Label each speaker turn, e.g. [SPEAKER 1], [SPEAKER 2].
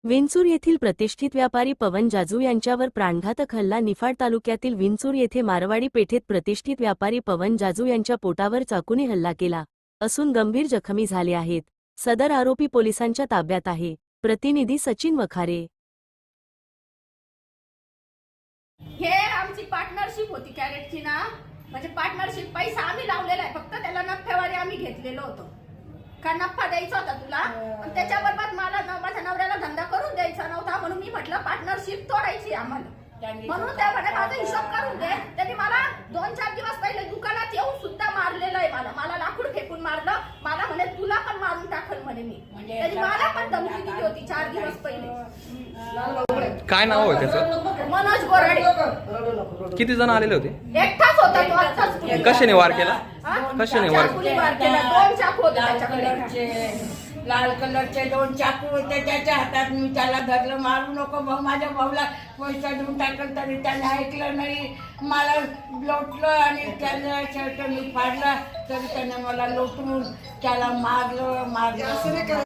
[SPEAKER 1] विंचूर येथील प्रतिष्ठित व्यापारी पवन जाजू यांच्यावर प्राणघातक हल्ला. निफाड तालुक्यातील विंचूर येथे मारवाडी पेठेत प्रतिष्ठित व्यापारी पवन जाजू यांच्या पोटावर चाकूने हल्ला केला असून गंभीर जखमी झाले आहेत. सदर आरोपी पोलिसांच्या ताब्यात आहे. प्रतिनिधी सचिन वखारे.
[SPEAKER 2] हे आमची पार्टनरशिप होती कॅरेटची ना, म्हणजे पार्टनरशिप पैसा आम्ही लावलेला आहे, फक्त त्याला नफ्यावारी आम्ही घेतलेलो होतो. का नफा द्यायचा होता तुला, पण त्याच्याबरोबर मला माझ्या नवऱ्याला धंदा करून द्यायचा नव्हता, म्हणून मी म्हटलं पार्टनरशिप तोडायची आम्हाला. म्हणून त्या म्हणे माझा हिशोब करून दे. त्यांनी मला 2-4 दिवस पहिले दुकानात येऊन सुद्धा मारलेलं आहे. मला लाकूड फेकून मारलं. मला म्हणे तुला पण मारून टाकल म्हणे मी. त्यांनी मला पण धमकी दिली होती 4 दिवस पहिले.
[SPEAKER 3] काय नाव आहे त्याचं?
[SPEAKER 2] मनोज गोराडे.
[SPEAKER 3] किती जण आलेले होते?
[SPEAKER 2] एकटाच होता तो. आत्ताच
[SPEAKER 3] कशाने वार केला? कशाने वार
[SPEAKER 2] केला? 2 चाकू होते त्याच्याकडे.
[SPEAKER 4] लाल कलरचे 2 चाकू होते त्याच्या हातात. मी त्याला धरलं, मारू नको भाऊ, माझ्या भाऊला पैसा देऊन टाकलं तरी त्याने ऐकलं नाही. मला लोटलं आणि त्याला शर्ट मी फाडला तरी त्याने मला लोटून त्याला मारलं.